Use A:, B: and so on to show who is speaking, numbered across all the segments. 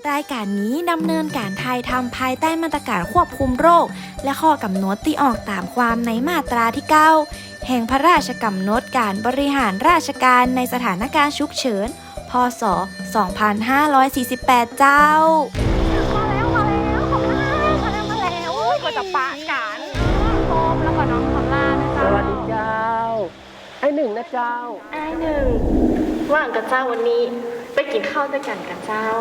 A: รายการนี้ดำเนินการถ่ายทำภายใต้มาตรการควบคุมโรคและข้อกำหนดที่ออกตามความในมาตราที่ 9 แห่งพระราชกำหนดการบริหารราชการในสถานการณ์ฉุกเฉิน พ.ศ. 2548 เจ้า
B: มาแล้วก็จะปะกันโฟมแล้วก็น้องคำล่านะเจ้า
C: สวัสดีเจ้าไอ้หนึ่งนะเจ้า
B: ไอ้หนึ่งว่างกับเจ้าวันนี้ไปกินข้าวด้วยกันกับเจ้า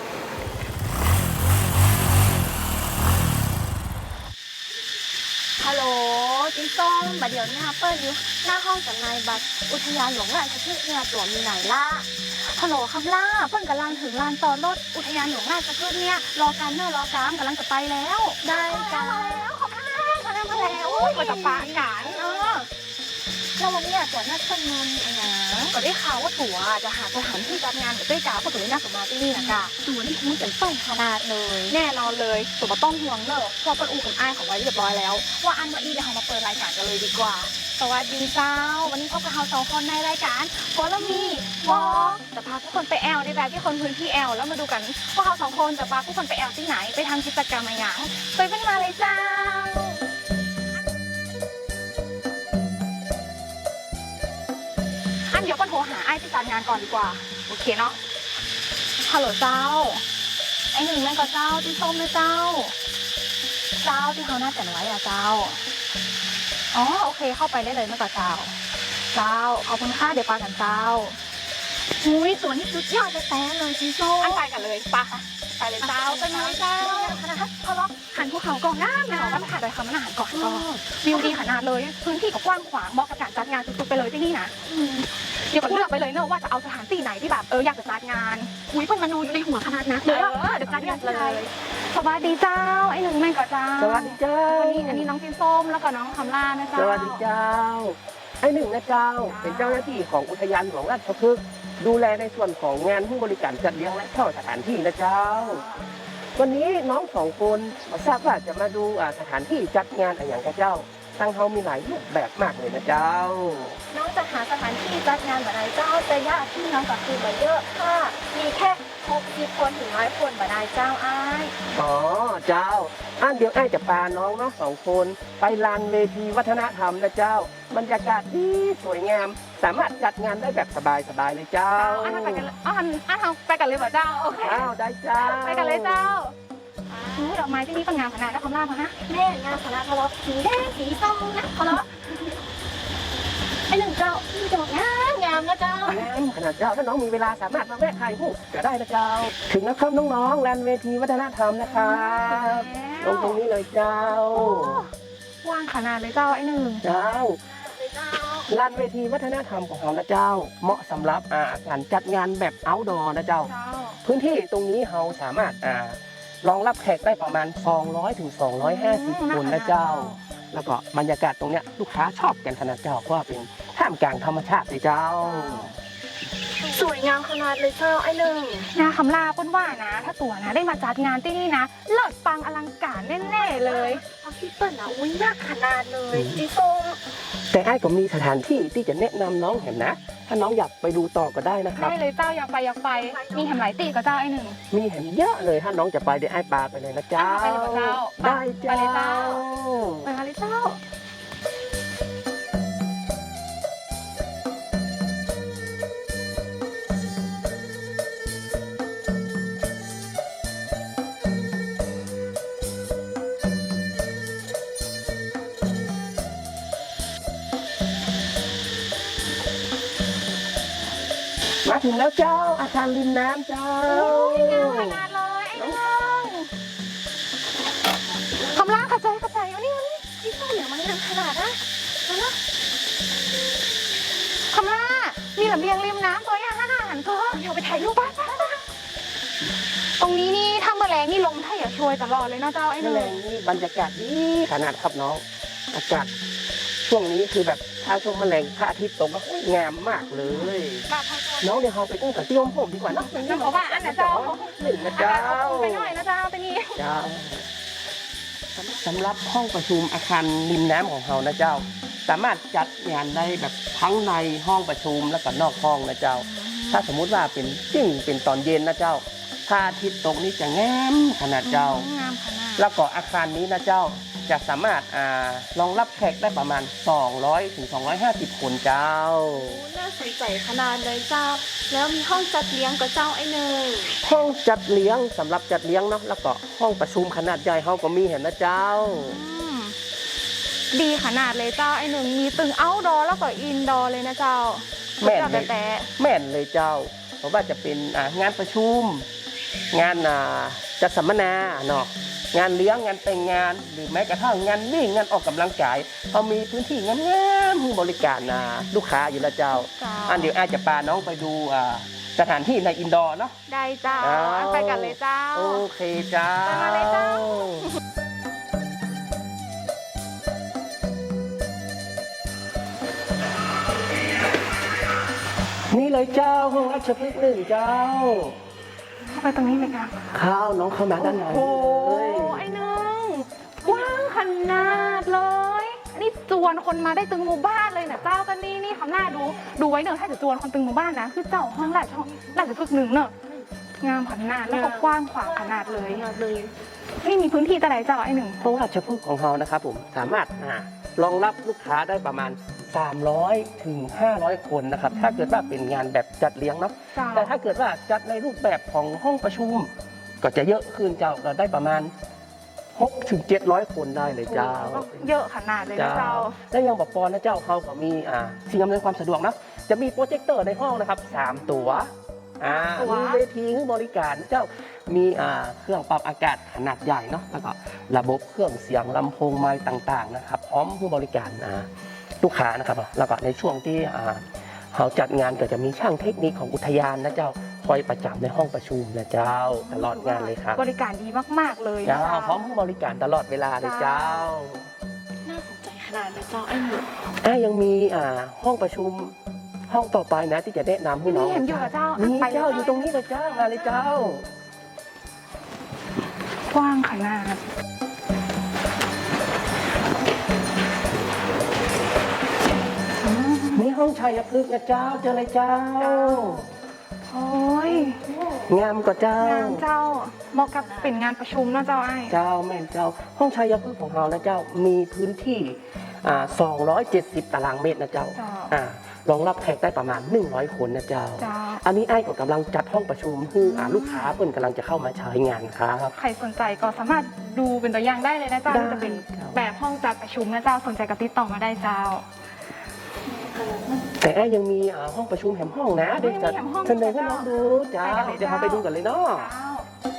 B: ฮัลโหลจิ้งส้มบัดเดี๋ยวนี้เปิ้ลอยู่หน้าห้องจำหน่ายบัตรอุทยานหลวงราชพฤกษ์เนี่ยตัวมีไหนล่ะฮัลโหลคำล่าเปิ้ลกำลังถึงลานจอดรถอุทยานหลวงราชพฤกษ์เนี่ยรอการเนอรอกามกำลังจะไปแล้วได้จ้ามาแล้วคำล่ามาแล้วก็จะปะกันแล้ววันนี้ตัวนัดคนงานมีอะไรก็ได้ข่าวว่าตัวจะหาสถานที่จัดงานกับเต้จ๋าเพราะตัวนี้น่าสมาที่นี่นะจ๊ะตัวนี่คุ้มเป็นต้องขนาดเลยแน่นอนเลยตัวมาต้องห่วงเนอะเพราะเป็นอู่กับอ้ายของไว้เรียบร้อยแล้วว่าอันวันนี้เดี๋ยวเรามาเปิดรายการกันเลยดีกว่าสวัสดีเจ้าวันนี้พบกับเรา2 คนในรายการโฟลมีวอล์กจะพาทุกคนไปแอลในแบบที่คนพื้นที่แอลแล้วมาดูกันว่าเรา2 คนจะพาทุกคนไปแอลที่ไหนไปทำกิจกรรมอะไรอย่างไปเป็นมาเลยเจ้าเดี๋ยวก็โทรหาไอ้ที่จัดงานก่อนดีกว่าโอเคเนาะฮัลโหลเจ้าไอ้หนึ่งแม่ก็เจ้าที่ส้มนะเจ้าที่เขาหน้าแต่งไว้อะเจ้าอ๋อโอเคเข้าไปได้เลยแม่ก็เจ้าขอบคุณค่ะเดี๋ยวไปกันเจ้าอุ้ยสวนนี่สุดยอดจะแต่เลยที่ส้มไปกันเลยปะไปเลยเจ้าไปเลยเจ้าเขาล็อกหันภูเขาก่อนหน้าไม่หรอกว่าถ่ายโดยคำว่าหันก่อนก็วิวดีขนาดเลยพื้นที่ก็กว้างขวางเหมาะกับการจัดงานสุดๆไปเลยที่นี่นะเดี๋ยวก็เลือกไปเลยเนอะว่าจะเอาสถานที่ไหนที่แบบอยากจะจัดงานอุ้ยเพิ่งมานูอยู่ในหัวขนาดนั้นเดี๋ยวจัดงานเลยสวัสดีเจ้าไอ้หนึ่งแม่ก็เจ้า
C: สวัสดีเจ้า
B: อันนี้น้องกินส้มแล้วก็น้องคำล่านะเจ้า
C: สวัสดีเจ้าไอ้หนึ่งนะเจ้าเป็นเจ้าหน้าที่ของอุทยานหลวงราชพฤกษ์ดูแลในส่วนของงานผู้บริการจัดเลี้ยงและเช่าสถานที่นะเจ้าวันนี้น้อง2 คนทราบว่าจะมาดูสถานที่จัดงานอะไรอย่างกับเจ้าตั้งเขามีหลายรูปแบบมากเลยนะเจ้า
B: น้องจะหาสถานที่จัดงานแบบไหนเจ้าแต่ญาติพี่น้องกับคือแบบเยอะค่ะมีแค่60 คนถึง100 คนแบบใดเจ้าอ้าย
C: อ๋อเจ้าเดี๋ยวจะพาน้องเนาะ2 คนไปลานเวทีวัฒนธรรมนะเจ้าบรรยากาศดีสวยงามสามารถจัดงานได้แบบสบายเลยเจ้า
B: ไปกันเลยไปกันเลยเหรอเจ้าโอเค
C: ได้เจ้า
B: ไปกันเลยเจ้าดอกไม้ที่นี่ก็งามขนาดนะคำล่าพนะแม่งามขนาดทะเลาะสีแดงสีส้มนะทะเลาะไอ้หนึ่งเจ้าที่ดอกงามนะเจ้าง
C: ามขนาดเจ้าถ้าน้องมีเวลาสามารถมาแวะถ่ายรูปก็ได้นะเจ้าถึงนะครับน้องๆลานเวทีวัฒนธรรมนะครับตรงนี้เลยเจ้า
B: ว่างขนาดเลยเจ้าไอ้หนึ่ง
C: เจ้าลานเวทีวัฒนธรรมของเรานะเจ้าเหมาะสำหรับการจัดงานแบบเอาท์ดอร์นะเจ้าพื้นที่ตรงนี้เราสามารถรองรับแขกได้ประมาณ200 ถึง 250 คนนะเจ้าแล้วก็บรรยากาศตรงเนี้ยลูกค้าชอบกันขนาดเจ้าเพราะว่าเป็นท่ามกลางธรรมชาติเลยเจ้า
B: สวยงามขนาดเลยเจ้าไอ้หนึ่งนะคำลาป้นว่านะถ้าตัวนะได้มาจัดงานที่นี่นะเลิศปังอลังการแน่ๆเลยพี่เปิ้ลนะอุ้ยยากขนาดเลยจีส้ม
C: แต่ไอ้ก็มีสถานที่ที่จะแนะนำน้องเห็นนะถ้าน้องอยากไปดูต่อก็ได้นะครับ
B: ได้เลยเจ้าอยากไปมีแหมหลายตีกับเจ้าไอ้หนึ่ง
C: มีแหมเยอะเลยถ้าน้องจะไปเดี๋ยวไอ้ปาไปเลยนะเจ้า
B: ไปเลยเจ้า
C: ได้เจ้า
B: ไปเลยเจ้าไปเลยเจ้า
C: มาถึงแล้วเจ้าอาคารริมน้ำเจ้าง
B: ามขนาดเลยไอ้น้องคำล่าเข้าใจวันนี้ที่ต้นเหลือมันงามขนาดนะคำล่ามีระเบียงริมน้ำตัวอย่างหันตัวเดี๋ยวไปถ่ายรูปบ้านตรงนี้นี่ถ้าเมื่อแรงนี่ลมถ้าอย่าช่วยตลอดเลยนะเจ้าไอ้หนึ่ง
C: นี่บรรยากาศดีขนาดครับน้องอากาศช่วงนี้คือแบบถ้าช่วงแมลงพระอาทิตย์ตกก็งามมากเลยน้องเดี๋ยวเราไปตั้งแต่ที่ผมดีกว่านะ
B: เพราะว่าอันนะเจ้า
C: หนึ่งนะเจ้า
B: ไปหน่อยนะเจ้าไปนี่
C: เจ้าสำหรับห้องประชุมอาคารริมน้ำของเรานะเจ้าสามารถจัดงานได้แบบทั้งในห้องประชุมและก็นอกห้องนะเจ้าถ้าสมมุติว่าเป็นตอนเย็นนะเจ้าพระอาทิตย์ตกนี้จะงามขนาดเจ้า
B: งามขนาด
C: แล้วก็อาคารนี้นะเจ้าจะสามารถรองรับแขกได้ประมาณ 200 ถึง 250 คนเจ้า
B: น่าสนใจขนาดเลยเจ้า แล้วมีห้องจัดเลี้ยงกับเจ้าไอ้เนย
C: ห้องจัดเลี้ยงสำหรับจัดเลี้ยงเนาะแล้วก็ห้องประชุมขนาดใหญ่เขาก็มีเห็นนะเจ้า
B: ดีขนาดเลยเจ้าไอ้หนึ่งมีตึงเอาท์ดอร์แล้วก็อินดอร์เลยนะเจ้า
C: แม่นเลย
B: แต่
C: แม่นเลยเจ้า เพราะว่าจะเป็นงานประชุม งานจัดสัมมนาเนาะงานเลี้ยงงานแต่งงาน หรือแม้กระทั่งงานวิ่งงานออกกำลังกายเขามีพื้นที่งามๆบริการลูกค้าอยู่แล้วเจ้า
B: เจ้า
C: เดี๋ยวอาจจะพาน้องไปดูสถานที่ในอินดอร์เนาะ
B: ได้เจ้า
C: อ้าว
B: ไปกันเลยเจ้า
C: โอเคเจ้า
B: ไปมาเลยเจ้า
C: นี่เลยเจ้าห้องราชพฤกษ์หนึ่งเจ้า
B: เข้าไปตรงนี้เลยค่ะ
C: ข้าวน้องเข้ามาด้านใน
B: โอ้
C: เลย
B: ไอ้หนึ่งกว้างขนาดเลยอันนี้จวนคนมาได้ตึงหมู่บ้านเลยนะเจ้ากันนี่คำหน้าดูไว้เนอะถ้าจะจวนคนตึงหมู่บ้านนะคือเจ้าห้องราชพฤกษ์หนึ่งเนอะงามขนาดแล้วก็กว้างขวางขนาดเลยนี่มีพื้นที่แต่ไหนเจ้าไอ้หนึ่ง
C: ห้องราชพฤกษ์ของเรานะครับผมสามารถรองรับลูกค้าได้ประมาณ 300 ถึง 500 คนนะครับถ้าเกิดว่าเป็นงานแบบจัดเลี้ยงเนาะ
B: เจ้า
C: แต่ถ้าเกิดว่าจัดในรูปแบบของห้องประชุม ก็จะเยอะขึ้นเจ้าเราได้ประมาณ 6 ถึง 700 คนได้เลยเจ้า
B: เยอะขนาดเลยนะเจ้า
C: และยังบอกปอนนะเจ้าเขาก็มีสิ่งอำนวยความสะดวกนะจะมีโปรเจคเตอร์ในห้องนะครับ3ตัวมีเวทีให้บริการเจ้ามีเครื่องปรับอากาศขนาดใหญ่เนาะแล้วก็ระบบเครื่องเสียงลำโพงไมค์ต่างๆนะครับพร้อมผู้บริการลูกค้านะครับแล้วก็ในช่วงที่เขาจัดงานก็จะมีช่างเทคนิคของอุทยานนะเจ้าคอยประจำในห้องประชุมนะเจ้าตลอดงานเลยครับ
B: บริการดีมากๆเลยนะ
C: เจ้า
B: เจ้า
C: พร้อมผู้บริการตลอดเวลาเลยเจ้า
B: น่าสนใจขนาดเลยเจ้าไอ้หนึ่ง
C: ยังมีห้องประชุมห้องต่อไปนะที่จะแนะนำให้น้อง
B: นี่เห็นอยู่กับเจ้า
C: นี่
B: ไป
C: เจ้าอยู่ตรงนี้เลยเจ้ามาเลยเจ้า
B: กว้างขนาด
C: นี่ห้องชัยพฤกษ์นะเจ้าเจอเลยเจ้า
B: โอ้ย
C: งามกว่าเจ้าง
B: านเจ้าเหมาะกับเป็นงานประชุมนะเจ้าไอ้
C: เจ้าแม่นเจ้า ห้องชัยพฤกษ์ของเรานะเจ้ามีพื้นที่270 ตารางเมตรนะเจ้า
B: เจ้าร
C: องรับแขกได้ประมาณ100 คนนะเจ้า
B: เจ้า
C: อันนี้ไอ้ก็กำลังจัดห้องประชุมให้ลูกค้าเพิ่นกำลังจะเข้ามาใช้งานครับ
B: ใครสนใจก็สามารถดูเป็นตัวอย่างได้เลยนะเจ้า
C: ได้
B: จะเป็นแบบห้องจัดประชุมนะเจ้าสนใจก็ติดต่อมาได้เจ้า
C: แต่ไอ้ยังมีห้องประชุมแหมห้องนะเดี๋ยวจะ
B: มีแหมห้อง
C: เสนอให้น้องดูเจ้า
B: ไปกันเลย
C: เดี๋ยวเราไปดูกันเลยเนาะ
B: เจ้า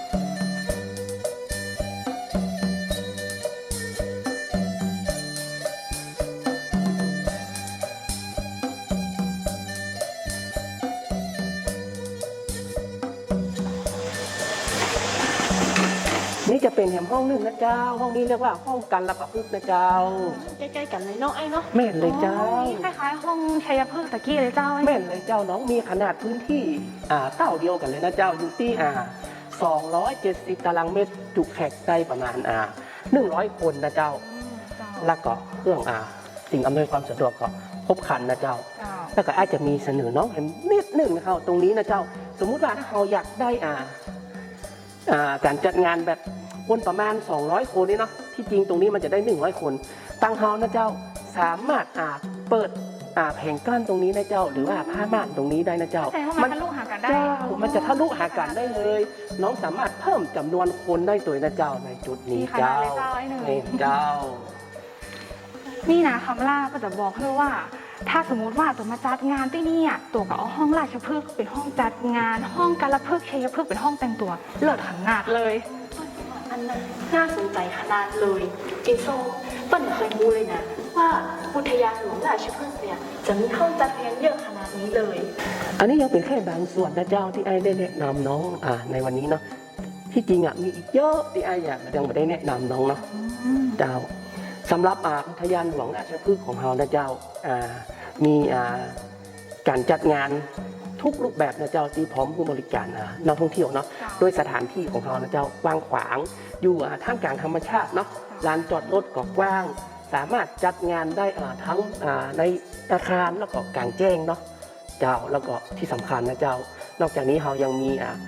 C: นี่จะเป็นแหมห้องหนึ่งนะเจ้า ห้องนี้เรียกว่าห้องกันระประพฤกษ์นะเจ้า
B: ใกล้ๆกันเลยเนาะไอ้เนาะ
C: แม่นเลยเจ้า
B: นี่คล้ายๆห้องชัยพฤกษ์ตะกี้เลยเจ้าไอ้
C: แม่นเลยเจ้าน้องมีขนาดพื้นที่เต้าเดียวกันเลยนะเจ้าอยู่ที่270 ตารางเมตรจุแขกได้ประมาณ100 คนนะเจ้า
B: เจ้า
C: แล้วก็เครื่องสิ่งอำนวยความสะดวกก็ครบครันนะเจ้า
B: เจ้า
C: แล้วก็อาจจะมีเสนอน้องเห็นนิดหนึ่งนะครับตรงนี้นะเจ้า สมมุติว่าถ้าเราอยากได้การจัดงานแบบคนประมาณ 200 คนนี่เนาะที่จริงตรงนี้มันจะได้ 100 คนตั้งเฮานะเจ้าสามารถเปิดแผงกั้นตรงนี้นะเจ้า หรือว่าผ้าม่านตรงนี้ได้นะเจ้า
B: แสดงว่ามันทะลุหากันได้
C: เจ้ามันจะทะลุหากันได้เลย น้องสามารถเพิ่มจำนวนคนได้ตัวนะเจ้าในจุดนี้
B: มีขนา
C: เจ้า
B: ดเลยเจ้าไอ้หนึ่ง
C: นี่เจ้า
B: นี่นะคำล่าก็จะบอกเลยว่า ถ้าสมมุติว่าตัวมาจัดงานที่นี่อ่ะตัวก็เอาห้องราชพฤกษ์เป็นห้องจัดงาน ห้องการละพฤกษ์ชัยพฤกษ์เป็นห้องแต่งตัวเลิศขนาดเลย
D: อันนั้นน่าสนใจขนาดเลยจินโซเปิ้ลเคยรู้เลยนะ ว่าอุทยานหลวงราชพฤกษ์เนี่ยจะมีห้องจัดเลี้ยงเยอะขนาดนี้เลย
C: อันนี้ยังเป็นแค่บางส่วนนะเจ้าที่ไอ้ได้แนะนำน้องในวันนี้เนาะที่จริงมีอีกเยอะที่ไอ้ยังไม่ได้แนะนำน้องเนาะเจ้าสำหรับอุทยานหลวงราชพฤกษ์ของเรานะเจ้ามีการจัดงานทุกรูปแบบนะเจ้าที่พร้อมผู้บริการนักท่องเที่ยวเนาะโดยสถานที่ของเรานะเจ้ากว้างขวางอยู่ท่ามกลางธรรมชาติเนาะลานจอดรถก็กว้าง สามารถจัดงานได้ทั้งในอาคารแล้วก็กลางแจ้งเนาะเจ้าแล้วก็ที่สำคัญนะเจ้านอกจากนี้เรายังมี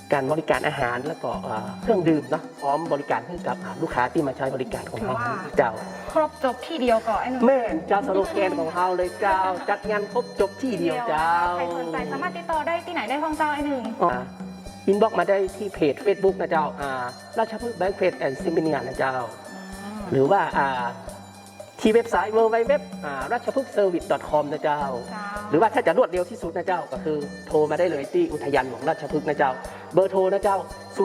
C: การบริการอาหารแล้วก็เครื่องดื่มเนาะพร้อมบริการให้กับลูกค้าที่มาใช้บริการของเราเจ้า
B: ครบจบที่เดียวก่อนไอ้หนุ่ม
C: แม่เจ้าสโลแกนของเราเลยเจ้าจัดงานครบจบที่เดียวเจ้า
B: ใครสนใจสามารถติดต่อได้ที่ไหนได้พ้องเจ้าไอ้หนึ่ง
C: อินบ็อกมาได้ที่เพจ Facebook นะเจ้าราชพฤกษ์แบงค์เพจแอนด์ซิมเนียนะเจ้า หรือว่าที่เว็บไซต์ www ราชพฤกษ์ service.com นะเจ้า หรือว่าถ้าจะรวดเร็วที่สุดนะเจ้าก็คือโทรมาได้เลยที่อุทยานหลวงราชพฤกษ์นะเจ้าเบอร์โทรนะเจ้า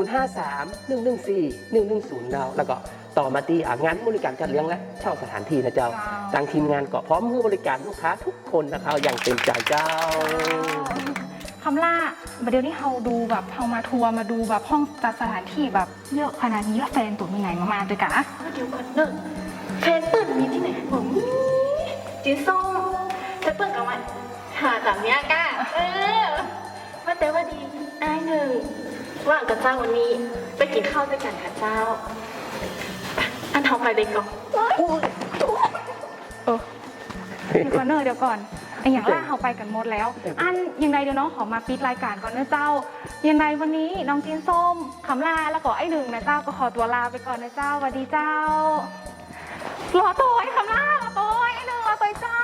C: 053-114-110 แล้วก็ต่อมาที่งานบริการจัดเลี้ยงและเช่าสถานที่นะเจ้าทางทีมงานก็พร้อมให้บริการลูกค้าทุกคนนะครับอย่างเต็มใจเจ้า
B: คำล่าเดี๋ยวนี้เราดูแบบเรามาทัวร์มาดูแบบห้องจัดสถานที่แบบเยอะขนาดนี้แล้วแฟนตัวมีไหนมาด้วยกันอะ
D: เดี๋ยวก่อนเนอะแฟนเปิ้ลมีที่ไหนผมจีส้มแต่เปิ้ลกับมันหาแบบเนี้ยก้าว่าแต่ว่าดีไอ้หนึ่งว่างกับเจ้าวันนี้ไปกินข้าวด้วยกันค่ะเจ้าอันทองไปเลยก่อน
B: เดี๋ยวก่อนเดี๋ยวก่อนไออย่างล่าเราไปกันหมดแล้ว อันยังไงเดี๋ยวน้องขอมาปิดรายการก่อนนะเจ้ายังไงวันนี้น้องจีนส้มคำลาแล้วก็ไอ้หนึ่งนะเจ้าก็ขอตัวลาไปก่อนนะเจ้าสวัสดีเจ้ารอตัวไอ้คำลารอตัวไอ้หนึ่งรอตัวเจ้า